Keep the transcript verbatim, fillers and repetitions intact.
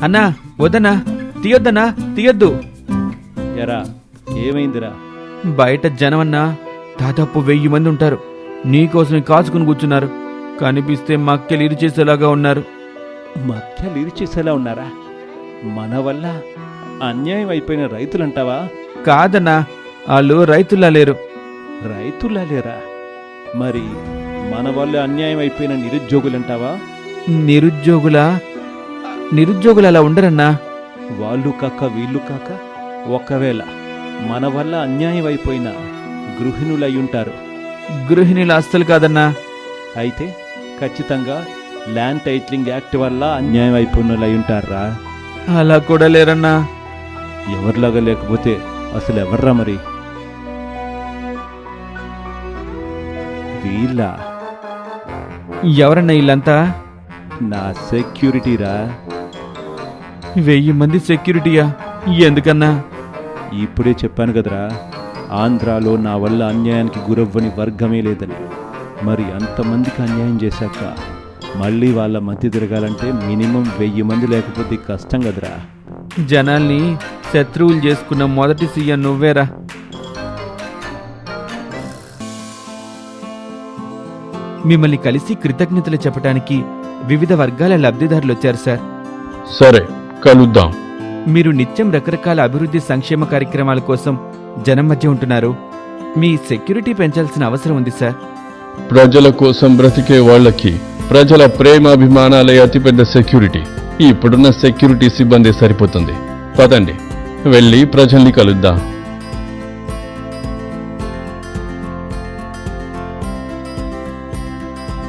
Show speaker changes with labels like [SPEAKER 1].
[SPEAKER 1] అన్నా వద్దన్నా, తీయొద్దన్నా, తీయొద్దు.
[SPEAKER 2] ఎరా ఏమైందిరా?
[SPEAKER 1] బయట జనమన్నా దాదాపు వెయ్యి మంది ఉంటారు. నీకోసమే కాచుకుని కూర్చున్నారు. కనిపిస్తే మక్కెలు ఇరు చేసేలాగా ఉన్నారు.
[SPEAKER 2] మధ్యలు ఇరిచేసేలా ఉన్నారా? మన వల్ల అన్యాయం అయిపోయిన రైతులంటావా?
[SPEAKER 1] కాదన్నా, వాళ్ళు రైతుల్లా లేరు.
[SPEAKER 2] రైతులా లేరా? మరి మన వల్ల అన్యాయం అయిపోయిన నిరుద్యోగులంటావా?
[SPEAKER 1] నిరుద్యోగులా? నిరుద్యోగులు అలా ఉండరన్నా.
[SPEAKER 2] వాళ్ళు కాక వీళ్ళు కాక ఒకవేళ మన వల్ల అన్యాయం అయిపోయిన గృహిణులయ్యుంటారు.
[SPEAKER 1] గృహిణులు అస్సలు కాదన్నా.
[SPEAKER 2] అయితే ఖచ్చితంగా ల్యాండ్ టైటిలింగ్ యాక్ట్ వల్ల అన్యాయం అయిపోయినలయ్యుంటారా?
[SPEAKER 1] అలా కూడా లేరన్నా.
[SPEAKER 2] ఎవరిలాగా లేకపోతే అసలు ఎవర్రా మరి? వీళ్ళ
[SPEAKER 1] ఎవరన్నా వీళ్ళంతా?
[SPEAKER 2] నా సెక్యూరిటీరా.
[SPEAKER 1] వెయ్యి మంది సెక్యూరిటీయా? ఎందుకన్నా?
[SPEAKER 2] ఇప్పుడే చెప్పాను కదరా, ఆంధ్రాలో నా వల్ల అన్యాయానికి గురవ్వని వర్గమే లేదని. మరి అంతమందికి అన్యాయం చేశాక మళ్ళీ వాళ్ళ మధ్య తిరగాలంటే మినిమం వెయ్యి మంది లేకపోతే కష్టం కదరా.
[SPEAKER 1] జనాల్ని శత్రువులు చేసుకున్న మొదటి సీఎం నువ్వేరా. మిమ్మల్ని కలిసి కృతజ్ఞతలు చెప్పడానికి వివిధ వర్గాల లబ్ధిదారులు వచ్చారు సార్.
[SPEAKER 3] సరే, కలుద్దాం.
[SPEAKER 1] మీరు నిత్యం రకరకాల అభివృద్ధి సంక్షేమ కార్యక్రమాల కోసం జనం మధ్య ఉంటున్నారు. మీ సెక్యూరిటీ పెంచాల్సిన అవసరం ఉంది సార్.
[SPEAKER 3] ప్రజల కోసం బ్రతికే వాళ్ళకి ప్రజల ప్రేమాభిమానాలే అతిపెద్ద సెక్యూరిటీ. ఇప్పుడున్న సెక్యూరిటీ సిబ్బంది సరిపోతుంది. పదండి, వెళ్ళి ప్రజల్ని కలుద్దాం.